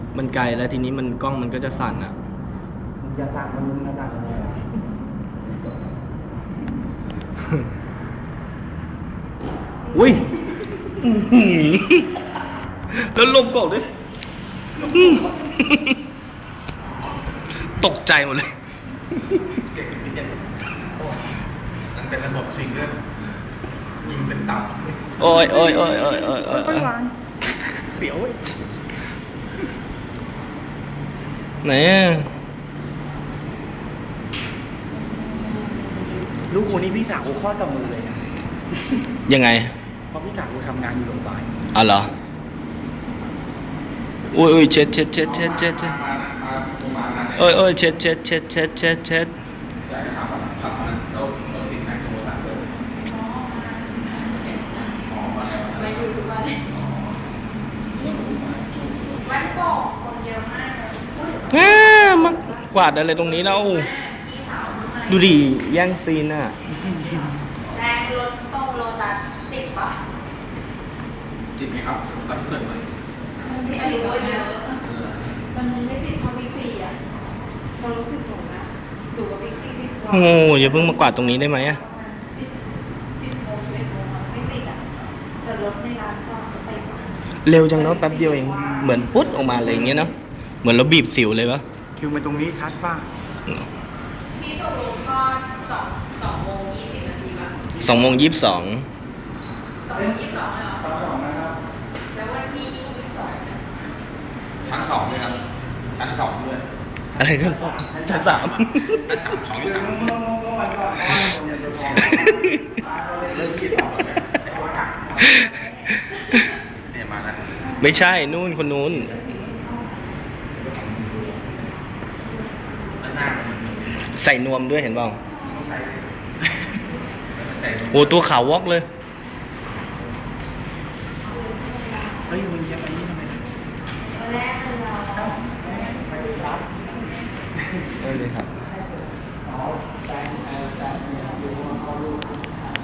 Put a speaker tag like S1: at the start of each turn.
S1: มันไกลแล้วทีนี้มันกล้องมันก็จะสั่นอ่ะ
S2: มันจะสั่งมันจะสั่งอะไรอ่ะ
S1: อุ้ยแล้วลมกอกด้วยตกใจหมดเลย
S3: เสียงเป็นยังมันเป็นระบบซิงเกิลยิงเป็นตับ
S1: โอ้ยโอ้ยโอ้ยโอ้ยโอ้ยโอ้ย
S2: ค่อยวางเสียวเว้ย
S1: ไหนอะ
S2: ลูกกูนี่พี่สาวกูข้อต่อมือเลยนะ
S1: ยังไง
S2: เพราะพี่สาวกูทำงานอยู่โรงพยาบาล
S1: อ๋อเหรออุ้ยอุ้ยเช็ดเช็ดเช็ดเช็ดเช็ดเช็ดโอ้ยโอ้ยเช็ดเช็ดเช็ดเช็ดเช็ดเช็ด
S3: อยากจะถามว่าขับมันเราติดไหนโทรศัพท์เลยอ๋อมาแล้ว
S4: มาอยู่ทุกวันวันโป่งคนเยอะมากเลย
S1: มากวาดอะไรตรงนี้แล้ว
S4: พี่สาวทำไม
S1: ดูดิแย่งซีนอ่ะ
S4: แรงรถตรงโลตัสติดปะ
S3: จิตไหมครับตั้งเกิดไหม
S4: ไม่รู้ว่าเยอะ
S5: มันไม่ติดเพราะบิ๊กซีอ่ะเรารู้สึกหนูนะดูว่าบิ๊กซีติดกว่า
S1: โอ้อย่าเพิ่งมากวาดตรงนี้ได้ไหมอะ
S5: 10 โมง 11 โมงอะไม่ติดอ่ะแต่รถในร้านจอดก็ติดอะ
S1: เร็วจังเนาะแป๊บเดียวเองเหมือนปุ๊ดออกมาเลยอย่างเงี้ยเนาะเหมือนเราบีบสิวเลยวะ
S2: คิวมาตรงนี้ชัดป่ะ
S4: พี่ตกลงก็2 โมง 20 นาทีป่ะ
S1: 2:22
S4: 2 โมง 22เลยเหรอ
S2: ตอนสองนะครับ
S4: แล้ววันที่22
S3: ชั้นสองเลยครับชั้นสองด้วย
S1: อะไรกันชั้นสาม
S3: ชั้นสามสองที่สามเริ่มมีดออกแล้วเนี่ยมาแล้ว
S1: ไม่ใช่นู่นคนนู้น
S3: ด้านหน้ามัน
S1: ใส่นวมด้วยเห็นเปล่า
S3: ต้องใส่ใส่
S1: โอ้ตัวขาววอกเลย
S2: เฮ้ยมึงจะไปนี่ทำไม
S4: วันแรกคือเรา
S2: ไปรับ
S1: ได้เลยครับ
S2: อ๋อแต่อยู่มาเขาลูก